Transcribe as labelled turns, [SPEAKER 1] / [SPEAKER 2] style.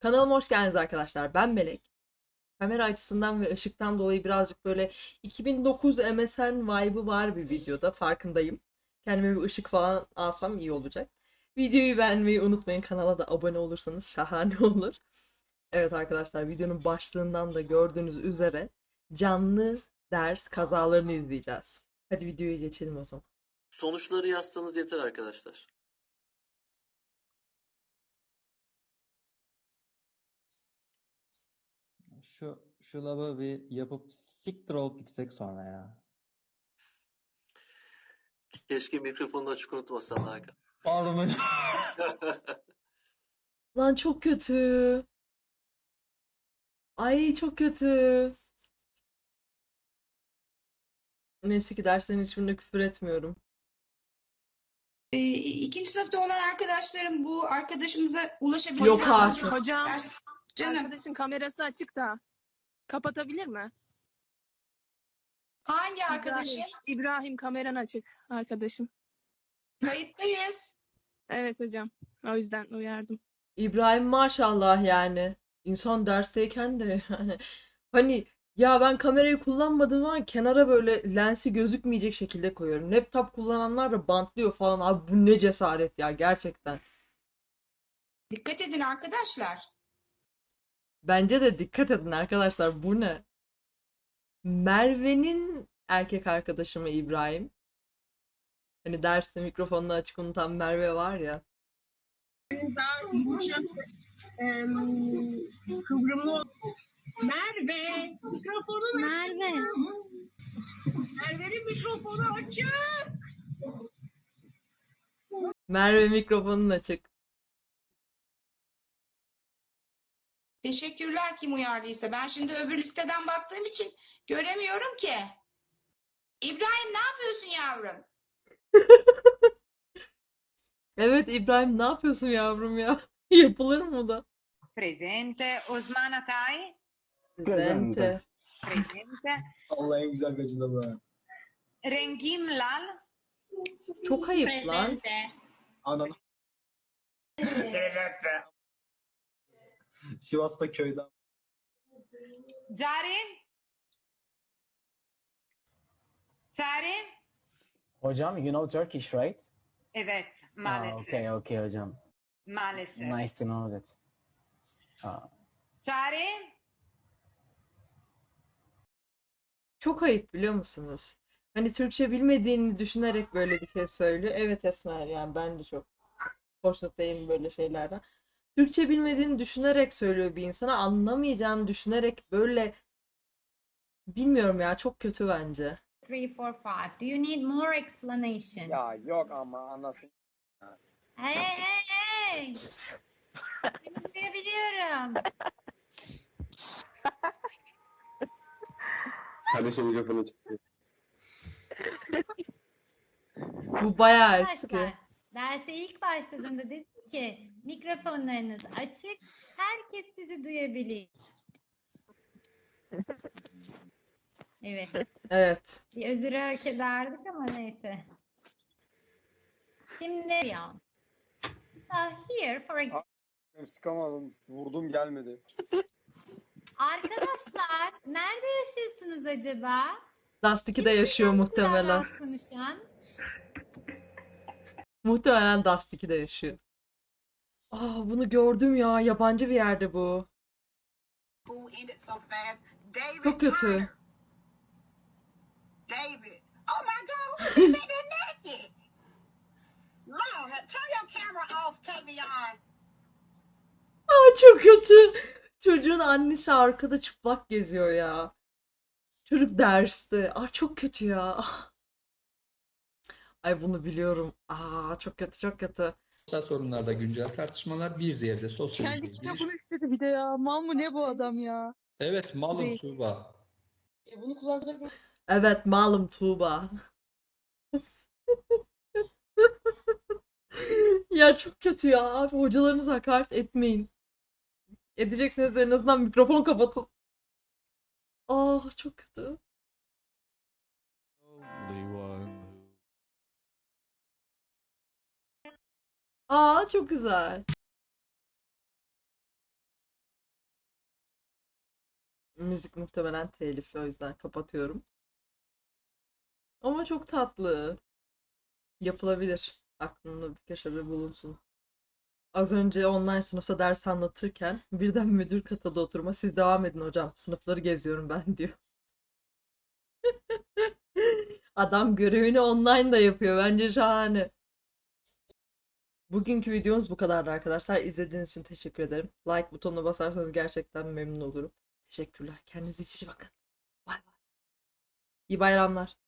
[SPEAKER 1] Kanalıma hoş geldiniz arkadaşlar. Ben Melek. Kamera açısından ve ışıktan dolayı birazcık böyle 2009 MSN vibe'ı var bir videoda. Farkındayım. Kendime bir ışık falan alsam iyi olacak. Videoyu beğenmeyi unutmayın. Kanala da abone olursanız şahane olur. Evet arkadaşlar, videonun başlığından da gördüğünüz üzere canlı ders kazalarını izleyeceğiz. Hadi videoya geçelim o zaman.
[SPEAKER 2] Sonuçları yazsanız yeter arkadaşlar.
[SPEAKER 3] Şu lava bir yapıp siktir olup gitsek sonra ya.
[SPEAKER 2] Keşke mikrofonunu açık unutmasan Hakan.
[SPEAKER 3] Pardon hocam.
[SPEAKER 1] Lan çok kötü. Ay çok kötü. Neyse ki derslerin hiçbirine küfür etmiyorum.
[SPEAKER 4] İkinci sınıfta olan arkadaşlarım bu arkadaşımıza ulaşabilir.
[SPEAKER 1] Yok artık.
[SPEAKER 5] Hocam,
[SPEAKER 4] Canım,
[SPEAKER 5] arkadaşın kamerası açık da kapatabilir mi?
[SPEAKER 4] hangi arkadaşın?
[SPEAKER 5] İbrahim kameran açık arkadaşım.
[SPEAKER 4] Kayıttayız.
[SPEAKER 5] Evet hocam. O yüzden uyardım.
[SPEAKER 1] İbrahim maşallah yani. İnsan dersteyken de yani hani ya ben kamerayı kullanmadığım zaman kenara böyle lensi gözükmeyecek şekilde koyuyorum. Laptop kullananlar da bantlıyor falan. Abi bu ne cesaret ya gerçekten.
[SPEAKER 4] Dikkat edin arkadaşlar.
[SPEAKER 1] Bence de dikkat edin arkadaşlar, bu ne? Merve'nin erkek arkadaşı mı İbrahim? Hani derste mikrofonunu açık unutan Merve var ya.
[SPEAKER 6] Kıvrımlı. Merve, mikrofonun açık. Merve'nin mikrofonu açık.
[SPEAKER 1] Merve mikrofonun açık.
[SPEAKER 4] Teşekkürler kim uyardıysa. Ben şimdi öbür listeden baktığım için göremiyorum ki. İbrahim ne yapıyorsun yavrum?
[SPEAKER 1] Evet İbrahim, ne yapıyorsun yavrum ya? Yapılır mı da?
[SPEAKER 7] Presente. Osman Atay.
[SPEAKER 1] Presente.
[SPEAKER 7] Presente.
[SPEAKER 8] Allah en güzel gacı da bu.
[SPEAKER 7] Rengim Lal.
[SPEAKER 1] Çok ayıp lan.
[SPEAKER 8] Ananı. Sivas'ta köyden.
[SPEAKER 7] Cari. Cari.
[SPEAKER 9] Hocam, you know Turkish, right?
[SPEAKER 7] Evet.
[SPEAKER 9] Ah,
[SPEAKER 7] Maalesef.
[SPEAKER 9] okay, hocam.
[SPEAKER 7] Maalesef.
[SPEAKER 9] Nice to know that. Ah,
[SPEAKER 7] Cari.
[SPEAKER 1] Çok ayıp, biliyor musunuz? Hani Türkçe bilmediğini düşünerek böyle bir şey söylüyor. Evet Esmer, yani ben de çok hoşnut değilim böyle şeylerden. Türkçe bilmediğini düşünerek söylüyor bir insana. Anlamayacağını düşünerek böyle, bilmiyorum ya, çok kötü bence.
[SPEAKER 10] 3, 4, 5. Do you need more explanation?
[SPEAKER 8] Ya yok ama anasını.
[SPEAKER 10] Hey, hey, hey! Seni duyabiliyorum.
[SPEAKER 8] Kardeşim mikrofonu çıktı.
[SPEAKER 1] Bu bayağı eski.
[SPEAKER 10] Arkadaşlar, derse ilk başladığında dedim ki mikrofonlarınız açık, herkes sizi duyabilir. Evet,
[SPEAKER 1] Evet.
[SPEAKER 10] bir özür hak ederdik ama neyse. Şimdi ya. Here for example.
[SPEAKER 8] Sıkamadım. Vurdum gelmedi.
[SPEAKER 10] Arkadaşlar, nerede yaşıyorsunuz acaba?
[SPEAKER 1] Dust 2'de yaşıyor muhtemelen.
[SPEAKER 10] Rahat konuşan.
[SPEAKER 1] Muhtemelen Dust 2'de yaşıyor. Aa, bunu gördüm ya. Yabancı bir yerde bu. Çok kötü.
[SPEAKER 6] David. Oh my God, you made her naked. Lord, turn your camera off, Tavion.
[SPEAKER 1] Aa, çok kötü. Çocuğun annesi arkada çıplak geziyor ya. Çocuk derste. Aa, çok kötü ya. Ah. Ay bunu biliyorum. Aa, çok kötü, çok kötü.
[SPEAKER 11] Sosyal sorunlarda güncel tartışmalar, bir diğeri de sosyal
[SPEAKER 5] Kendi
[SPEAKER 11] giriş.
[SPEAKER 5] kitabını istedi bir de ya. Mal mı ne bu adam ya?
[SPEAKER 11] Evet, malum
[SPEAKER 5] Değil.
[SPEAKER 11] Tuğba.
[SPEAKER 5] Bunu kullanacak mı?
[SPEAKER 1] Evet, malum Tuğba. Ya çok kötü ya. Abi hocalarınıza hakaret etmeyin. Edecekseniz en azından mikrofon kapatın. Ah, çok kötü. Aa, çok güzel. Müzik muhtemelen telifli, o yüzden kapatıyorum. Ama çok tatlı. Yapılabilir. Aklımda bir köşede bulunsun. Az önce online sınıfta ders anlatırken birden müdür katıldı oturma. Siz devam edin hocam. Sınıfları geziyorum ben diyor. Adam görevini online da yapıyor. Bence şahane. Bugünkü videomuz bu kadardı arkadaşlar. İzlediğiniz için teşekkür ederim. Like butonuna basarsanız gerçekten memnun olurum. Teşekkürler. Kendinize iyi bakın. Bay bay. İyi bayramlar.